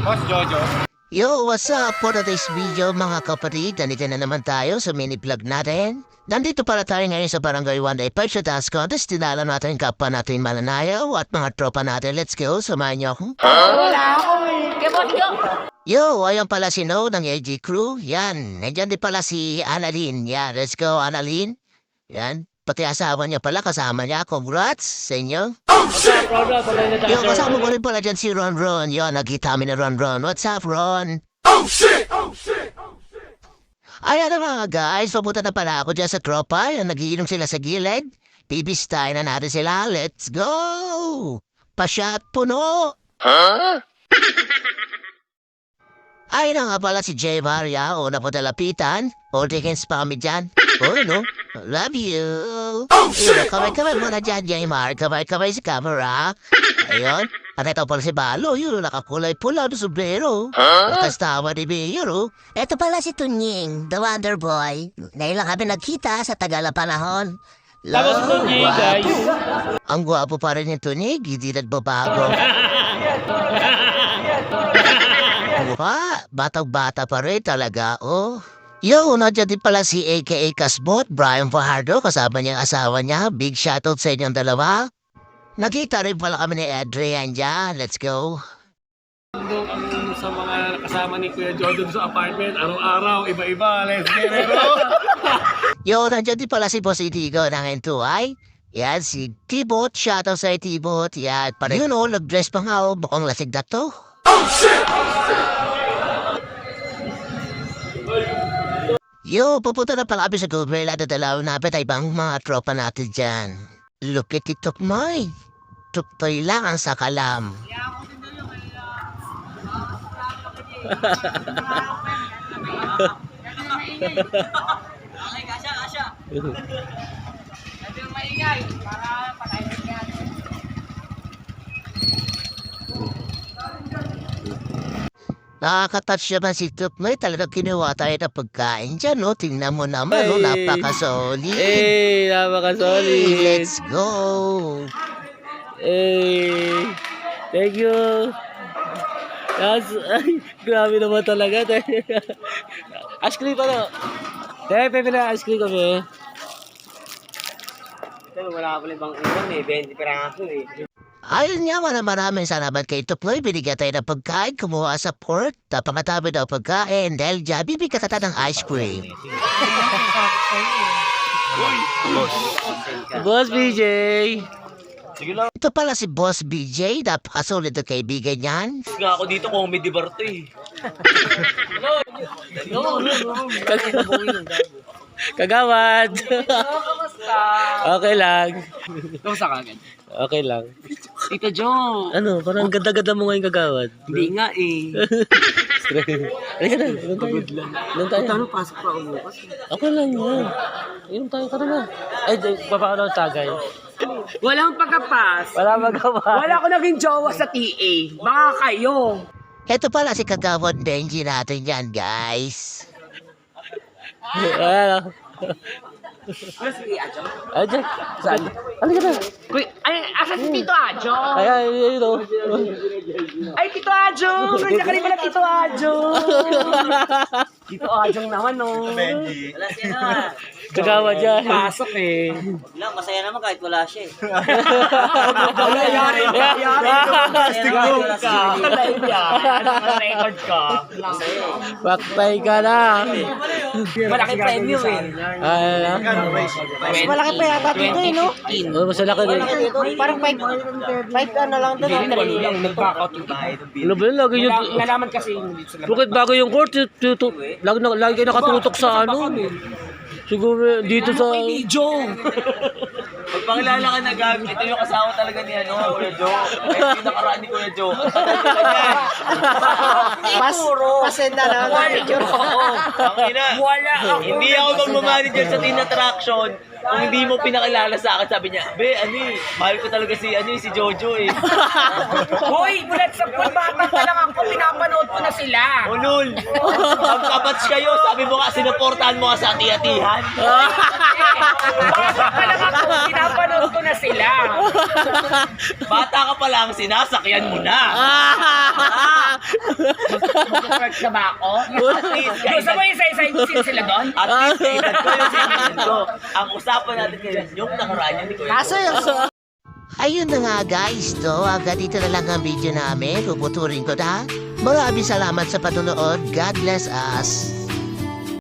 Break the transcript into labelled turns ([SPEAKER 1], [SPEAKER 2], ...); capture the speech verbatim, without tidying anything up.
[SPEAKER 1] Boss Jojo.
[SPEAKER 2] Yo, what's up? For today's video mga kapatid, nandito na naman tayo sa mini vlog natin. Nandito pala tayo ngayon sa Barangay One Day Purchase Dance Contest. Tinala natin kapwa natin mananayaw at mga tropa natin. Let's go, samahan niyo ako.
[SPEAKER 3] Wala ako eh. Kaya
[SPEAKER 2] Yo, ayan pala si No ng A G Crew. Yan, nandiyan din pala si Annalyn. Yan, let's go Annalyn. Yan, pati asawa niya pala, kasama niya. Congrats sa inyo. Yo, kasama mo rin pala dyan si Ron Ron. Yo, nakita kami na Ron Ron. What's up, Ron?
[SPEAKER 4] Oh shit! Oh shit! Oh shit!
[SPEAKER 2] Ayan na mga guys, papunta na pala ako dyan sa tropa. Yan, nagiinom sila sa gilid. Bibistay na natin sila. Let's go! Pasyat puno!
[SPEAKER 4] Huh?
[SPEAKER 2] Ay na nga pala si Jay Maria o napatalapitan. O tingin spammy dyan. Oh, no? Love you.
[SPEAKER 4] Oh, shit!
[SPEAKER 2] Kamay-kamay muna dyan, Jay Mar. Kamay-kamay sa camera. Ayun. At ito pala si Balo. Yun, nakakulay pula na sombrero.
[SPEAKER 4] Huh?
[SPEAKER 2] Kastawa ni Mayor, oh. Ito pala si Tunying, the Wonder Boy. Ngayon lang kami nagkita sa tagal na panahon.
[SPEAKER 1] Tapos Tunying,
[SPEAKER 2] Gwapo.
[SPEAKER 1] guys.
[SPEAKER 2] Ang gwapo pa rin ni Tunying, hindi nagbabago. Mukha, batang-bata pa rin talaga, oh. Yo, nandiyan din pala si A K A Kasbot, Brian Fajardo, kasama niyang asawa niya. Big shoutout sa inyong dalawa. Nakita rin pala kami ni Adrian dyan. Let's go.
[SPEAKER 1] Doon ang sa mga kasama ni Kuya Jojo sa apartment, araw-araw, iba-iba, let's get it, bro!
[SPEAKER 2] Yo, nandiyan din pala si Boss Itigo ng N two I. Yan, si T-Bot. Shoutout sa T-Bot. Yan, parang yun o, nag-dress pa nga o. Mukhang lasig na to.
[SPEAKER 4] Oh shit!
[SPEAKER 2] Yo, pupunta na pala kami sa Goodwill at dadalaw na ay ibang mga tropa natin dyan. Look at it, Tukmoy. Tuktoy lang ang sakalam.
[SPEAKER 3] Okay, kasya, kasya. Ito yung maingay para patayin yan.
[SPEAKER 2] Nakaka-touch naman si Tukmoy. Talagang kinuha tayo ng pagkain dyan, no? Tingnan mo naman, no?
[SPEAKER 1] Hey.
[SPEAKER 2] Napaka-solid.
[SPEAKER 1] Hey, napaka-solid!
[SPEAKER 2] Let's go!
[SPEAKER 1] Hey, thank you! Yes, ay, grabe naman talaga. Ice cream pa na. Te, pepe na ice cream kami. Ito, wala ka pala ibang ulam eh. twenty peraso eh.
[SPEAKER 2] Ayun nga, maraming maraming salamat kay Tukmoy. Binigyan tayo ng pagkain, kumuha sa port. Napakatabi daw pagkain dahil dyan, bibigyan ka ng ice cream.
[SPEAKER 1] Boss B J!
[SPEAKER 2] Ito pala si Boss B J, napakasolid na kaibigan niyan.
[SPEAKER 5] Nga ako dito, comedy bar to eh.
[SPEAKER 1] Kagawad! Okay lang.
[SPEAKER 5] Kamusta ka agad?
[SPEAKER 1] Okay lang.
[SPEAKER 5] Tito Joe!
[SPEAKER 1] Ano, parang ganda-ganda mo ngayon kagawad.
[SPEAKER 5] Hindi nga eh.
[SPEAKER 1] Halika na, inom tayo. Inom tayo.
[SPEAKER 5] Ano, pasok pa ako bukas.
[SPEAKER 1] Okay lang yan. Inom tayo, tara na. Ay, papaano ang tagay?
[SPEAKER 5] Walang pagkapas.
[SPEAKER 1] Wala magawa.
[SPEAKER 5] Wala ako naging jowa sa T A. Baka kayo.
[SPEAKER 2] Ito pala si Kagawad Benji natin yan, guys.
[SPEAKER 1] Ano?
[SPEAKER 5] Ano si Ajo?
[SPEAKER 1] Ay, dyan. Saan? Halika na.
[SPEAKER 5] Uy, ay, asa si Tito Ajo?
[SPEAKER 1] Ay, ay, ay, ito.
[SPEAKER 5] Ay, Tito Ajo! Nandiyan ka rin pala, Tito Ajo! Tito Ajo naman, no?
[SPEAKER 3] Wala siya na.
[SPEAKER 1] Kagawad yan.
[SPEAKER 5] Pasok eh.
[SPEAKER 3] Lang, masaya naman kahit wala siya eh.
[SPEAKER 5] Wala, yari, yari.
[SPEAKER 3] Plastic room ka.
[SPEAKER 5] Live yan. Record ka.
[SPEAKER 1] Baktay ka na.
[SPEAKER 5] Malaki premium eh.
[SPEAKER 1] Ay, ano?
[SPEAKER 5] Mas malaki pa yata dito eh, no?
[SPEAKER 1] Oh, mas laki din.
[SPEAKER 5] Parang five, five ano lang doon. Hindi lang, nag-back out yung tayo.
[SPEAKER 1] Ano ba yun? Lagi yung...
[SPEAKER 5] Nalaman kasi yung dito sila.
[SPEAKER 1] Bakit bago yung court? Tutu- Lagi, na- lagi kayo nakatutok sa ano? Siguro dito sa...
[SPEAKER 5] Joe!
[SPEAKER 3] Pagpakilala ka na gag, ito yung asawa talaga ni ano, Kuya Joe. Ito yung nakaraan ni Kuya Joe.
[SPEAKER 5] Pas, pasenda na lang ang picture ko.
[SPEAKER 3] Tangina.
[SPEAKER 5] Wala ako.
[SPEAKER 3] Hindi ako mag-manager sa teen attraction. Kung hindi mo pinakilala sa akin, sabi niya, be, ano eh, mahal ko talaga si, ano eh, si Jojo eh.
[SPEAKER 5] Hoy, bulat sa pool, bata pa lang ako, pinapanood ko na sila.
[SPEAKER 3] Ulul, magkabats kayo, sabi mo nga, sinuportahan mo ka sa ati-atihan.
[SPEAKER 5] Bata pa lang ako, pinapanood ko na sila.
[SPEAKER 3] Bata ka pa lang, sinasakyan mo na.
[SPEAKER 5] Mag-work na ba ako?
[SPEAKER 3] At least,
[SPEAKER 5] Gusto mo isa-isahin ko sila doon?
[SPEAKER 3] At least, kailan ko yung sinihan ko. Ang usapan natin ngayon, yung nakaraan yun ni Kuya.
[SPEAKER 5] Kaso yung...
[SPEAKER 2] Ayun na nga guys, to agad dito na lang ang video namin. Puputurin ko na. Maraming salamat sa panonood. God bless us.